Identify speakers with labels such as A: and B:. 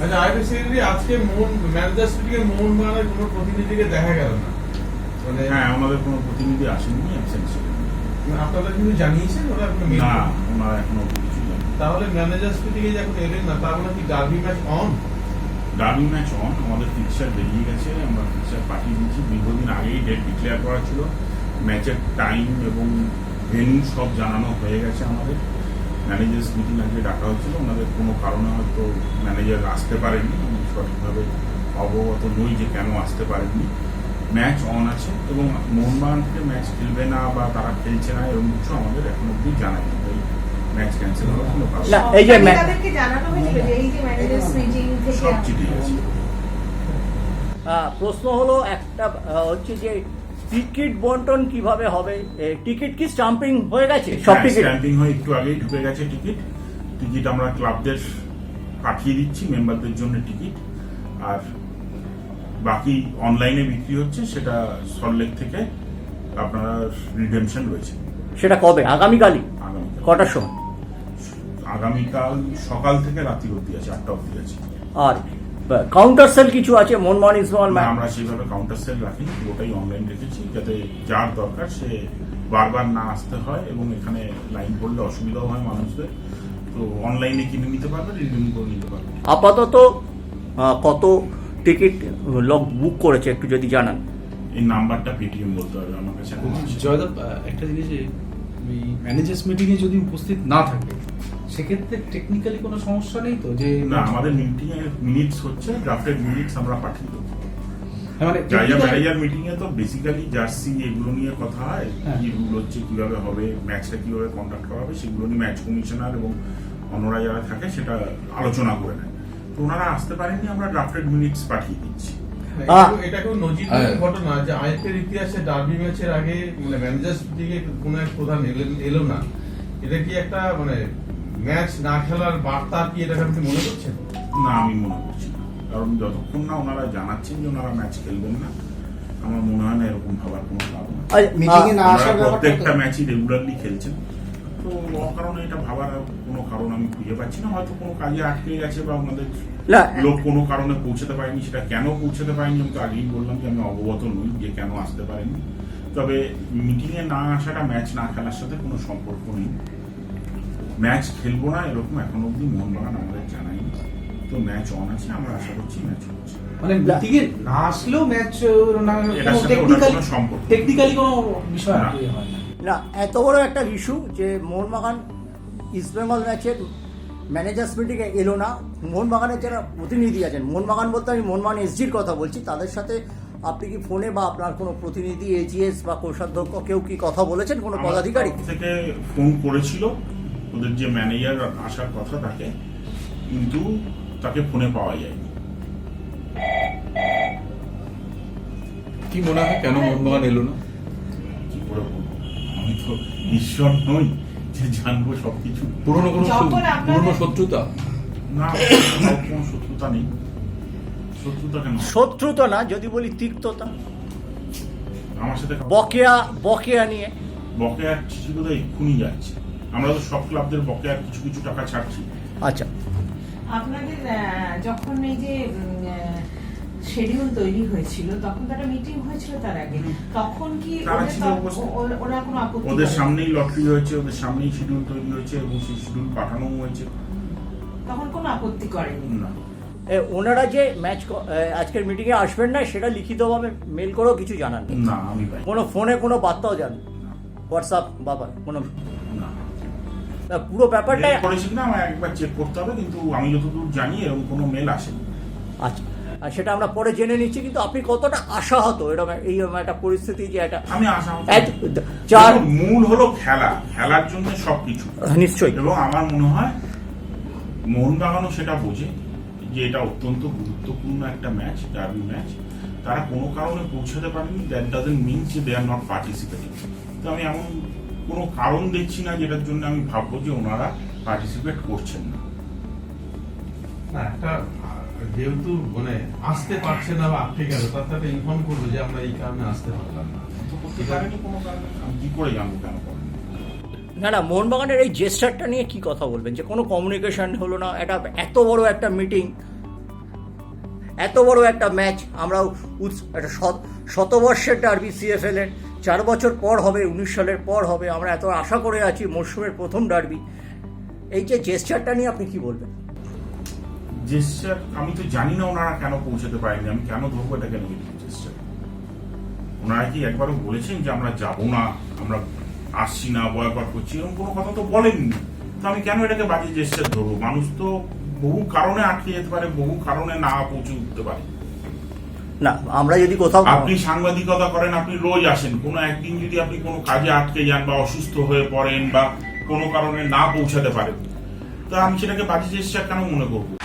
A: আচ্ছা, IP secretary আজকে manager meeting এ মোহনবাগানের কোনো প্রতিনিধিকে দেখা গেল না। মানে
B: হ্যাঁ, আমাদের কোনো প্রতিনিধি আসেনি, অ্যাবসেন্ট ছিলেন।
A: আপনারা কিন্তু জানিয়েছেন ওরা কোনো মেল?
B: না, ওনারা এখনো কিছু জানেন।
A: তাহলে ম্যানেজার মিটিং এ যখন এলেন না, তার মানে কি derby match on?
B: Derby match on, আমাদের ফিক্সার বেরিয়ে গেছে, আমরা ফিক্সার পাঠিয়ে দিয়েছি। দীর্ঘদিন আগেই ডেট ডিক্লেয়ার করা ছিল, ম্যাচের টাইম এবং ভেন্যু সব জানানো হয়ে গেছে। আমাদের ম্যানেজার্স মিটিং আজকে ডাকা হয়েছিল, ওনাদের কোনো কারণে হয়তো ম্যানেজার আসতে পারেননি, আমি সঠিকভাবে অবগত নই যে কেন আসতে পারেননি। ম্যাচ অন আছে এবং মোহনবাগান থেকে ম্যাচ খেলবে না বা তারা খেলছে না এরকম কিছু আমাদের এখন অব্দি জানায়নি। ম্যাচ ক্যান্সেল হওয়ার কোনো কারণ
C: না, এই যে
D: তাদেরকে জানানো হয়েছিল যে এই যে ম্যানেজার্স মিটিং থেকে
B: সব চিঠি আছে।
C: প্রশ্ন হলো একটা হচ্ছে যে টিকিট বন্টন কিভাবে হবে? টিকিট কি স্টাম্পিং হয়ে গেছে? সব টিকিট
B: স্ট্যাম্পিং হয়ে একটু আগেই ঢুকে গেছে টিকিট আমরা ক্লাবদের পাঠিয়ে দিচ্ছি, মেম্বারদের জন্য টিকিট। আর বাকি অনলাইনে বিক্রি হচ্ছে, সেটা সল্টলেক থেকে আপনার রিডেমশন রয়েছে।
C: সেটা কবে? আগামীকালই?
B: আগামীকাল
C: কটার সময়?
B: আগামীকাল সকাল থেকে রাত্রি অব্দি আছে, 8টা অব্দি আছে।
C: আর কাউন্টার সেল কিছু আছে মোহনবাগান ইস্টবেঙ্গল
B: না,
C: ম্যাচ?
B: আমরা সেইভাবে কাউন্টার সেল রাখিনি, ওটাই অনলাইন রেখেছি যাতে যার দরকার সে বারবার না আসতে হয় এবং এখানে লাইন পড়লে অসুবিধাও হয় মানুষদের। তো অনলাইনে কিনে নিতে পারবে, রিডিম করে নিতে পারবে।
C: আপাতত কত টিকিট লোক বুক করেছে একটু যদি জানান।
B: এই নাম্বারটা পেটিএম বলতে হবে আমার কাছে এখন আছে।
E: জয়দেব, একটা জিনিস, ম্যানেজার্স মিটিংয়ে যদি উপস্থিত না থাকে সেক্ষেত্রে টেকনিক্যালি কোনো সমস্যা নেই তো? যে
B: না, আমাদের মিটিং এর মিনিটস হচ্ছে, ড্রাফটেড মিনিটস আমরা পাঠিয়ে দেবো।
E: মানে
B: ম্যানেজার মিটিং এ তো বেসিক্যালি জার্সি এগুলো নিয়ে কথা হয়,
E: হ্যাঁ।
B: কি রুল হচ্ছে, কিভাবে হবে, ম্যাচটা কিভাবে কন্ডাক্ট করা হবে, সেগুলো নিয়ে ম্যাচ কমিশনার এবং অন্যরা যারা থাকে সেটা আলোচনা করে নেয়। তো ওনারা আসতে পারেননি, আমরা ড্রাফটেড মিনিটস পাঠিয়ে দিচ্ছি।
A: এটা খুব নজিরবিহীন ঘটনা যে আইপিএল ইতিহাসে ডার্বি ম্যাচের আগে মানে ম্যানেজার মিটিং এ কোনো এক প্রধান এলো না। এটা কি একটা মানে ম্যাচ না খেলার বার্তা কি এটা আপনি মনে করছেন?
B: না, আমি মনে করছি না, কারণ যতক্ষণ না ওনারা জানাচ্ছেন যে ওনারা ম্যাচ খেলবেন না, আমার মনে হয় না এরকম ভাবার কোনো কারণ আছে।
F: মিটিংয়ে না
B: ওনারা
F: আসার ব্যাপারটা
B: প্রত্যেকটা ম্যাচই রেগুলারলি খেলছেন, তো অকারণে এটা ভাবার কোনো কারণ আমি খুঁজে পাচ্ছি না। হয়তো কোনো কাজে আটকে গেছে বা ওনাদের
C: না,
B: লোক কোনো কারণে পৌঁছাতে পারেনি, সেটা কেন পৌঁছাতে পারেনি আমি তো আগেই বললাম যে আমি অবগত নই যে কেন আসতে পারেনি। তবে মিটিংয়ে না আসাটা ম্যাচ না খেলার সাথে কোনো সম্পর্ক নেই। ম্যাচ খেলবো না এরকম এখন অব্দি মোহনবাগান আমাদের জানায়নি। তো ম্যাচ অন আছে, আমরা আশা করছি ম্যাচ হচ্ছে।
E: মানে মিটিংয়ে না আসলেও ম্যাচ
B: এটার সাথে ওটার কোনো সম্পর্ক নেই।
E: টেকনিক্যালি কোনো বিষয়
B: না।
E: হয় না।
C: না, এত বড় একটা ইস্যু যে মোহনবাগান ইস্টবেঙ্গল ম্যাচের ম্যানেজার্স মিটিংয়ে এলো না, মোহনবাগানের যারা প্রতিনিধি আছেন, মোহনবাগান বলতে আমি মোহনবাগান এসজির কথা বলছি, তাদের সাথে আপনি কি ফোনে বা আপনার কোনো প্রতিনিধি এজিএস বা কোষাধ্যক্ষ কেউ কি কথা বলেছেন, কোনো পদাধিকারী?
B: আমার তরফ থেকে ফোন করেছিল ওদের যে ম্যানেজার আসার কথা তাকে, কিন্তু তাকে ফোনে পাওয়া যায়নি।
G: কি মনে হয় কেন মোহনবাগান এলো না?
B: কি করে বলবো, আমি তো ঈশ্বর নই যে জানবো সবকিছু।
G: পুরনো কোনো
D: যখন আপনাদের-
G: পুরনো শত্রুতা?
B: না, কোনো শত্রুতা নেই। শত্রুতা কেন?
C: শত্রুতা না, যদি বলি তিক্ততা,
B: আমার সাথে
C: বকেয়া নিয়ে।
B: বকেয়ার চিঠি বোধহয় এক্ষুনি যাচ্ছে। আমরা তো সব ক্লাবদের বকেয়ার কিছু কিছু টাকা ছাড়ছি।
C: আচ্ছা,
D: আপনাদের যখন এই যে শিডিউল তৈরি হয়েছিল তখন তারা মিটিং হয়েছিল তার আগে, তখন কি
B: তারা ছিল উপস্থিত।
D: ওরা কোনো আপত্তি
B: ওদের
D: করেনি?
B: সামনেই লটারি হয়েছে, ওদের সামনেই শিডিউল তৈরি হয়েছে এবং সেই শিডিউল পাঠানো হয়েছে।
D: তখন কোনো আপত্তি করেনি?
B: না,
C: ওনারা যে ম্যাচ আজকের মিটিংয়ে আসবেন না সেটা লিখিতভাবে মেল করেও কিছু জানান না?
B: না, আমি পাই
C: কোনো ফোনে কোনো বার্তাও জান, হোয়াটসঅ্যাপ বাবা কোনো?
B: না।
C: পুরো ব্যাপারটা
B: মেল করেছি কিনা আমার একবার চেক করতে হবে, কিন্তু আমি যতদূর জানি এরকম কোনো মেল আসেনি।
C: আচ্ছা, আর সেটা আমরা পরে জেনে নিচ্ছি। কিন্তু আপনি কতটা আশাহত এরকম এইরকম একটা পরিস্থিতি যে এটা
B: আমি আশা
C: চার
B: মূল হলো খেলার জন্য সবকিছু
C: নিশ্চয়ই,
B: এবং আমার মনে হয় মোহনবাগানও সেটা বোঝে যে এটা অত্যন্ত গুরুত্বপূর্ণ একটা ম্যাচ, ডার্বি ম্যাচ। তারা কোনো কারণে পৌঁছাতে পারেনি, দ্যাট ডাজন্ট মিনস যে দে আর নট পার্টিসিপেটিং। তো আমি এমন কোনো কারণ দেখছি না যেটার জন্য আমি ভাববো যে ওনারা পার্টিসিপেট করছেন না।
A: না, একটা যেহেতু মানে আসতে পারছে না বা আটকে গেল, তার সাথে ইনফর্ম করবো যে আমরা এই কারণে আসতে পারলাম না।
B: তো করতে পারেনি কোনো কারণে, আমি কি করে জানবো কেন করেনি?
C: না না, মোহনবাগানের এই জেস্টারটা নিয়ে কি কথা বলবেন যে কোনো কমিউনিকেশন হলো না? এটা এত বড় একটা মিটিং, এত বড় একটা ম্যাচ আমরা একটা শতবর্ষের ডার্বি CFL এর 4 বছর পর হবে, 19 সালের পর হবে, আমরা এত আশা করে আছি মরশুমের প্রথম ডার্বি। এই যে জেস্টারটা নিয়ে আপনি কি বলবেন?
B: জেস্টার আমি তো জানি না ওনারা কেন পৌঁছাতে পারেনি, আমি কেন ধরবো এটাকে নেগেটিভ জেস্টার? ওনারা কি একবারও বলেছেন যে আমরা যাব না, আমরা আসছি না, বয়কট করছি, এরকম কোনো কথা তো বলেননি। তো আমি কেন এটাকে বাজে জেস্টার ধরবো? মানুষ তো বহু কারণে আটকে যেতে পারে, বহু কারণে না পৌঁছে উঠতে পারে।
C: না, আমরা যদি কোথাও
B: আপনি সাংবাদিকতা করেন, আপনি রোজ আসেন, কোনো একদিন যদি আপনি কোনো কাজে আটকে যান বা অসুস্থ হয়ে পড়েন বা কোনো কারণে না পৌঁছাতে পারেন, তা আমি সেটাকে বাজে জেস্টার কেন মনে করবো?